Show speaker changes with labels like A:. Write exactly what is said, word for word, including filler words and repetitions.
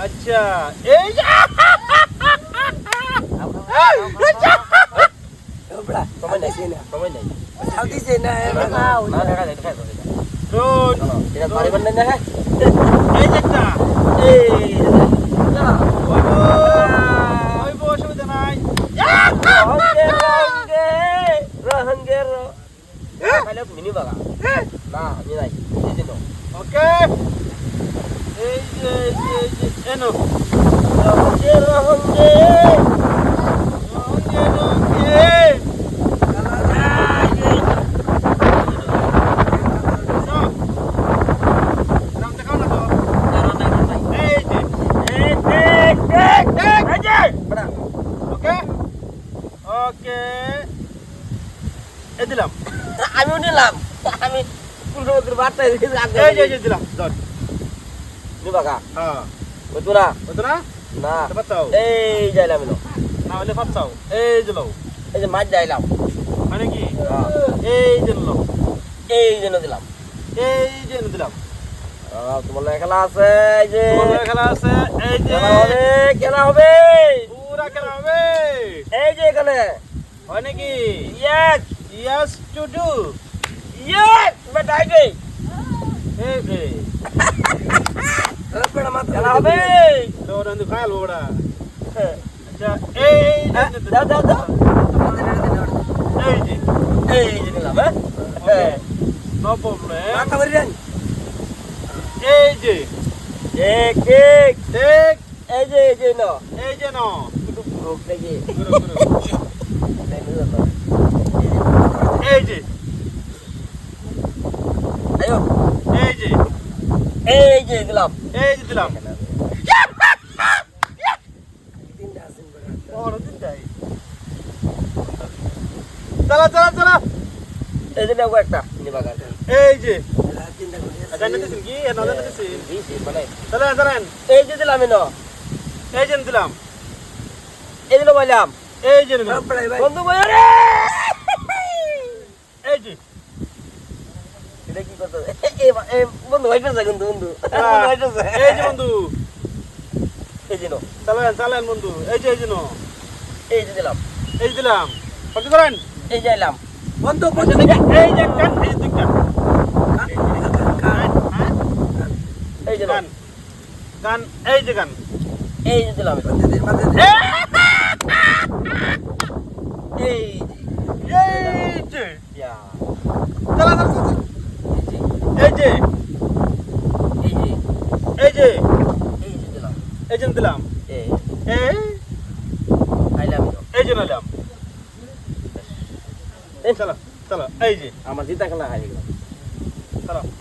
A: আচ্ছা এই যে
B: বড়া সময় নাই না
A: সময় নাই
B: চাল দিছে না
C: না
B: না
C: দেখা যায় দেখা যায়
A: রোজ
C: এটা পারিবেন না হ্যাঁ
A: এই যে একটা
C: এই না
A: ওই বউ অসুবিধা নাই
C: রহঙ্গে রহঙ্গে রহঙ্গে র খালি মিনি বাগা না আমি নাই এই দিন
A: ওকে এই যে এই যে এই যে এনো
C: রহঙ্গে রহঙ্গে
A: রঙে রঙে নাম দেখাও না তো এই যে
C: এই দেখ দেখ দেখ এই যে বড়া
A: ওকে ওকে এই দিলাম
C: আমিও নিলাম আমি কুলরবকের বার্তা দিয়েছি
A: এই যে এই যে দিলাম ধর
C: নি বাগা
A: হ্যাঁ
C: ওই তোরা
A: বুঝছো না
C: না
A: বাচ্চাও
C: এই যাইলাম এলো
A: না হলে ফাটছাও এই যে লও
C: এই যে মাছ যাইলাম
A: মানে কি
C: হ্যাঁ
A: এই যে লও
C: এই জন্য দিলাম
A: এই যে দিলাম
C: আহ, তোমার লগে খেলা আছে এই যে
A: তোমার খেলা আছে এই যে
C: খেলা হবে খেলা হবে
A: পুরা খেলা হবে
C: এই যে এখানে
A: হয় নাকি
C: yes
A: yes to do
C: yes বেটা এই যে
A: এই এই
B: বড়া মাথা
C: খেলা হবে
A: তো নন্দু খায়াল বড়া আচ্ছা এই যে
C: দাও দাও দাও
A: এই যে
C: এই যে নিলাম হ্যাঁ
A: নো প্রবলেম
B: মাথা ভরি দেন
A: এই যে
C: ঠিক ঠিক
A: ঠিক
C: এই যে এই যে না
A: এই যে নো
C: একটু রোগ দেখি
A: গুরু গুরু এই যে
C: আয়ো
A: এই যে
C: এই যে দিলাম
A: এই যে দিলাম
B: তিনটা আছেন বড়া
A: বড় দিন যাই চলা চলা চলা
C: এই যে নেবো একটা নিবাগার
A: এই যে
B: তিনটা করে
A: আচ্ছা নিতেছেন কি এ না নিতেছেন
C: দিছি মানে
A: চলেন চলেন
C: এই যে দিলাম এনো
A: এই যে দিলাম
C: এই দিলো বললাম
A: এই যে নিলাম
B: বড়া ভাই
C: বন্ধু বই রে
A: এই যে
C: এটা কি করতে এই এই বন্ধু হইতেছে কিন্তু বন্ধু বন্ধু হইতেছে
A: এই যে বন্ধু
C: এই যে নো
A: চলেন চলেন বন্ধু এই যে এই যে নো
C: এই যে দিলাম
A: এই যে দিলাম কত করেন
C: এই যে এলাম
B: বন্ধ
A: আচ্ছা,
B: বন্ধ
A: দেখি, এই যে কান এই যে কান
C: এই যে
A: গান গান এই যে গান
C: এই যে দিলাম
B: মাথা দে মাথা দে
C: এই
A: এই যে
C: ইয়া
A: চলা চলা চলা
C: এই যে
A: এই যে
C: এই যে
A: এই যে
C: এই যে দিলাম
A: এই যে দিলাম
C: এই
A: এই
C: আইলাম
A: এই যে নিলাম চলো চলো এই যে
C: আমার জিতা খেলা হারিয়ে গেল
A: চলো